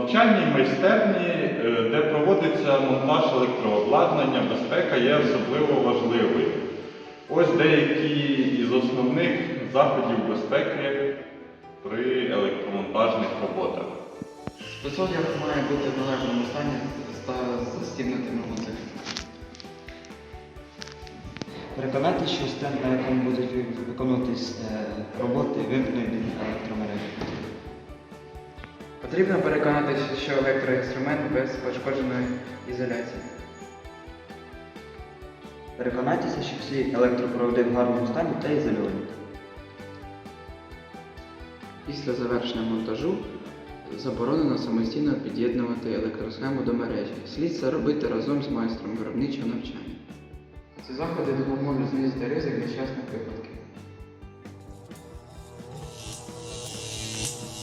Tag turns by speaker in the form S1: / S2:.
S1: навчальній майстерні, де проводиться монтаж електрообладнання, безпека є особливо важливою. Ось деякі із основних заходів безпеки при електромонтажних роботах.
S2: Спецодяг має бути в належному стані та застібнутими гудзиками.
S3: Переконайтеся, що стенд, на якому будуть виконуватись роботи, вимкнений від електромережі.
S2: Потрібно переконатися, що електроінструмент без пошкодженої ізоляції.
S3: Переконайтеся, що всі електропроводи в гарному стані та ізольовані.
S2: Після завершення монтажу заборонено самостійно під'єднувати електросхему до мережі. Слід це робити разом з майстром виробничого навчання. Ці заходи допоможуть знизити ризик нещасних випадків.